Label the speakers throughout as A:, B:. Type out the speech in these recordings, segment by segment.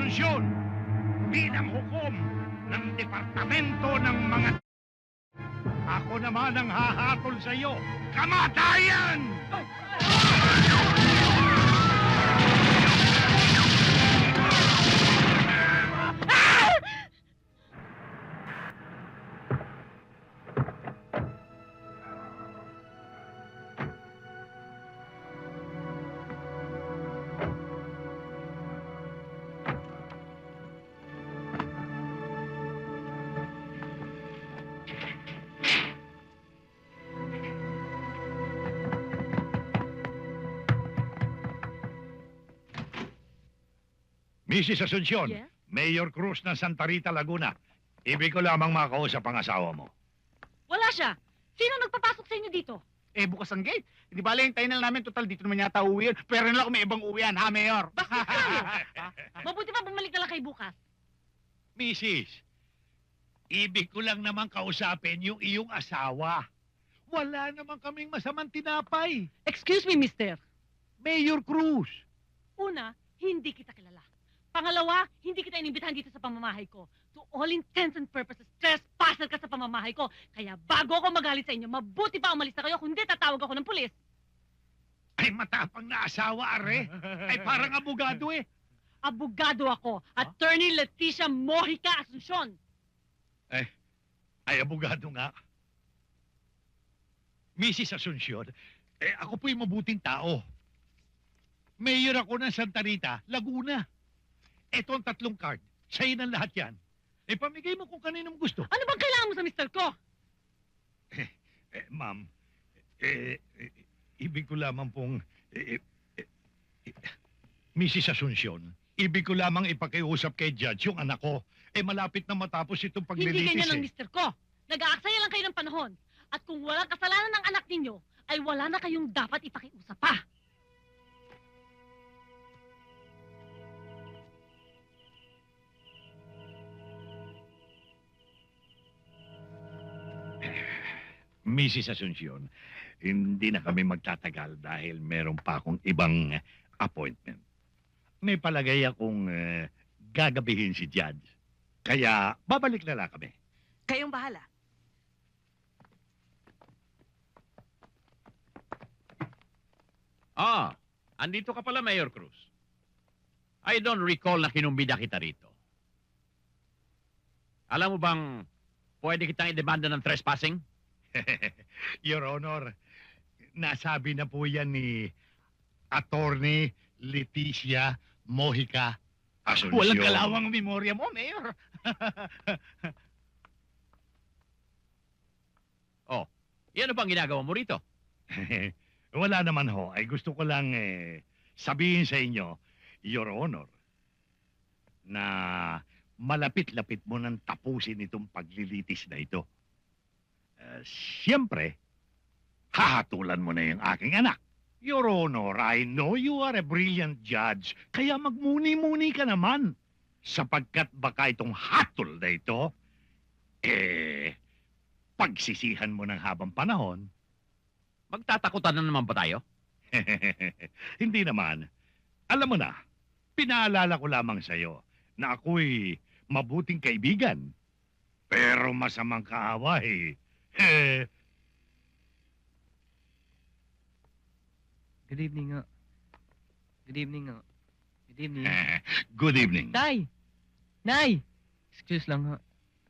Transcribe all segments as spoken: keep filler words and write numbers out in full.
A: Asunsyon bilang hukom ng Departamento ng mga... Ako naman ang hahatol sa iyo. Kamatayan! Missus Asunsyon,
B: Yes?
A: Mayor Cruz ng Santa Rita, Laguna. Ibig ko lamang makausap ang asawa mo.
B: Wala siya. Sino nagpapasok sa inyo dito?
C: Eh, bukas ang gate. Hindi bala yung tayo na namin. Total, dito naman yata uwi yun. Pero na lang kung may ibang uwian, ha, Mayor?
B: Bastos ka, no? Mabuti pa bumalik na lang kay bukas.
A: Missus, ibig ko lang naman kausapin yung iyong asawa. Wala naman kaming masamang tinapay.
B: Excuse me, mister.
A: Mayor Cruz.
B: Una, hindi kita kilala. Pangalawa, hindi kita inimbitahan dito sa pamamahay ko. To all intents and purposes, trespasser ka sa pamamahay ko. Kaya bago ako magalit sa inyo, mabuti pa umalis na kayo, kundi tatawag ako ng pulis.
A: Ay, matapang na asawa, are. Ay, parang abogado eh.
B: Abogado ako, Attorney Leticia Mojica Asuncion.
A: Ay, abogado nga. Missus Asuncion, eh, ako po'y mabuting tao. Mayor ako ng Santa Rita, Laguna. Eto ang tatlong card. Sa'yo ng lahat yan. Eh, pamigay mo kung kaninong gusto.
B: Ano bang kailangan mo sa mister ko?
A: Eh, ma'am, eh, eh, ibig ko lamang pong... Eh, eh, eh, Missus Asuncion, ibig ko lamang ipakiusap kay Judge yung anak ko. Eh, malapit na matapos itong
B: Hindi
A: paglilitis
B: ganyan ang
A: eh.
B: mister ko. Nag-aaksaya lang kayo ng panahon. At kung walang kasalanan ng anak ninyo, ay wala na kayong dapat ipakiusap pa.
A: Missus Asuncion, hindi na kami magtatagal dahil meron pa akong ibang appointment. May palagay akong eh, gagabihin si Judge. Kaya babalik na lang kami.
D: Kayong bahala.
E: Ah, andito ka pala, Mayor Cruz. I don't recall na kinumbida kita rito. Alam mo bang pwede kitang idemanda ng trespassing?
A: Your Honor, nasabi na po yan ni Attorney Leticia Mojica Asuncion.
C: Walang kalawang ang memorya mo, Mayor.
E: Oh, yan bang ginagawa mo rito?
A: Wala naman ho. Ay gusto ko lang eh, sabihin sa inyo, Your Honor, na malapit-lapit mo nang tapusin itong paglilitis na ito. Uh, Siyempre, hahatulan mo na yung aking anak. Your Honor, I know you are a brilliant judge, kaya magmuni-muni ka naman. Sapagkat baka itong hatol na ito, eh, pagsisihan mo ng habang panahon.
E: Magtatakutan na naman ba tayo?
A: Hindi naman. Alam mo na, pinaalala ko lamang sa'yo na ako'y mabuting kaibigan. Pero masamang kaaway. Eh,
F: Good evening nga. Good evening nga. Good evening.
A: good evening.
F: Tay! Nay! Excuse lang ha.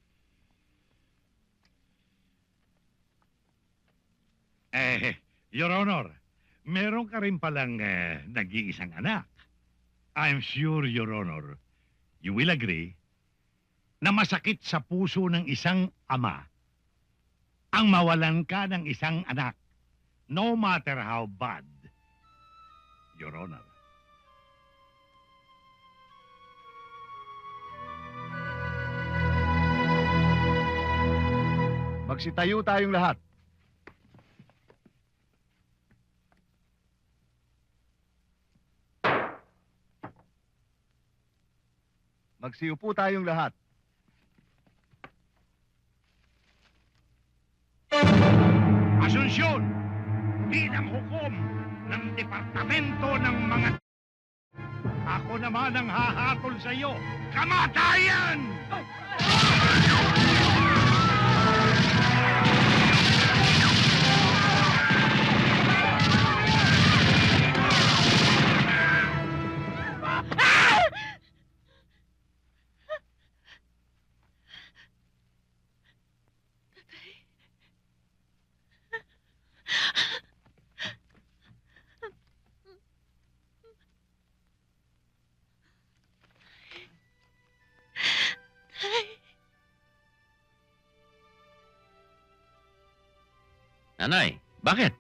A: Eh, Your Honor, meron ka rin palang eh, nag-iisang anak. I'm sure, Your Honor, you will agree na masakit sa puso ng isang ama ang mawalan ka ng isang anak, no matter how bad, Your Honor.
C: Magsitayo tayong lahat. Magsiupo tayong lahat.
A: Asunsyon bilang hukom ng Departamento ng mga... Ako naman ang hahatol sa iyo. Kamatayan!
E: Nanay, bakit?